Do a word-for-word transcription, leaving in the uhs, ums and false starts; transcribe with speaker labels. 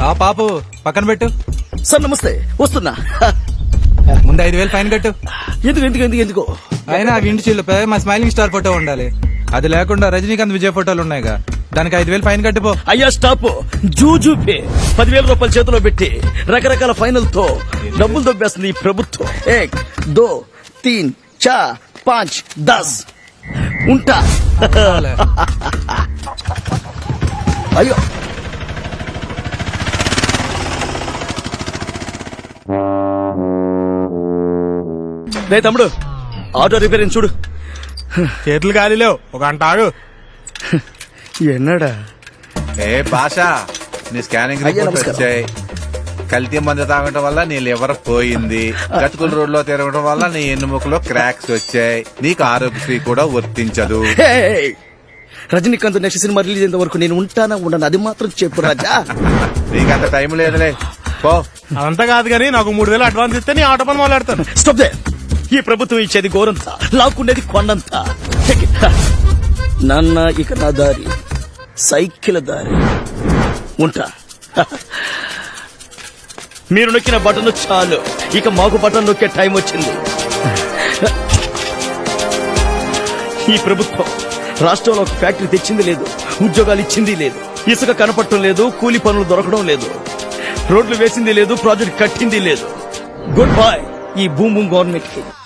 Speaker 1: ఆ పాపు పక్కన పెట్టు.
Speaker 2: సార్ నమస్తే, వస్తున్నా.
Speaker 1: ముందు ఐదు వేలు ఫైన్ కట్టు.
Speaker 2: ఎందుకు ఎందుకు ఎందుకు ఎందుకు
Speaker 1: అయినా ఆ ఇంటి చిల్లుపై మా స్మైలింగ్ స్టార్ ఫోటో ఉండాలి. అది లేకుండా రజనీకాంత్ విజయ్ ఫోటోలు ఉన్నాయిగా, దానికి ఐదు వేలు ఫైన్ కట్టిపో.
Speaker 2: అయ్యా స్టాప్. జూజూ పే పదివేల రూపాయలు చేతిలో పెట్టి రకరకాల ఫైనల్ తో డబ్బులు దొబ్బేస్తుంది ఈ ప్రభుత్వం. ఏక్ దో తీన్ చార్ పాంచ్ దస్ ఉంటా. అయ్యో రే తమ్ముడు, ఆటో రిపేరింగ్ చూడు.
Speaker 3: చేతులు గాలిలేవు, ఒక గంట ఆగు.
Speaker 2: ఎన్నడా
Speaker 4: ఏ భాషా, నీ స్కానింగ్
Speaker 2: అయ్యా,
Speaker 4: రిపోర్ట్
Speaker 2: నమస్కారం.
Speaker 4: వచ్చాయి. కల్తీ మందు తాగటం వల్ల నీ లివర్ పోయింది. గతుకుల రోడ్ లో తిరగడం వల్ల నీ ఎన్నుముకలో క్రాక్స్ వచ్చాయి. నీకు ఆరోగ్యశ్రీ కూడా వర్తించదు.
Speaker 2: హే! రజనీకాంత్ నెక్స్ట్ సినిమా రిలీజ్ అయ్యేంత వరకు నేను ఉంటానా ఉండను, అది మాత్రం చెప్పు రాజా.
Speaker 4: నీకంత టైం లేదులే, పో.
Speaker 3: అదంతా కాదు కానీ నాకు మూడు వేలు అడ్వాన్స్ ఇస్తే నీ ఆటో పని మొదలెడతాను.
Speaker 2: Stop they. ఈ ప్రభుత్వం ఇచ్చేది గోరంతా, లాక్కుండేది కొండంతా. Take it. నాన్న ఇక నా దారి సైకిల్ దారి ఉంటా. మీరు నొక్కిన బటన్ చాలు, ఇక మాకు బటన్ నొక్కే టైం వచ్చింది. ఈ ప్రభుత్వం రాష్ట్రంలో ఒక ఫ్యాక్టరీ తెచ్చింది లేదు, ఉద్యోగాలు ఇచ్చింది లేదు, ఇసుక కనపడటం లేదు, కూలి పనులు దొరకడం లేదు, రోడ్లు వేసింది లేదు, ప్రాజెక్ట్ కట్టింది లేదు. గుడ్ బై ఈ భూమి గవర్నమెంట్ కి.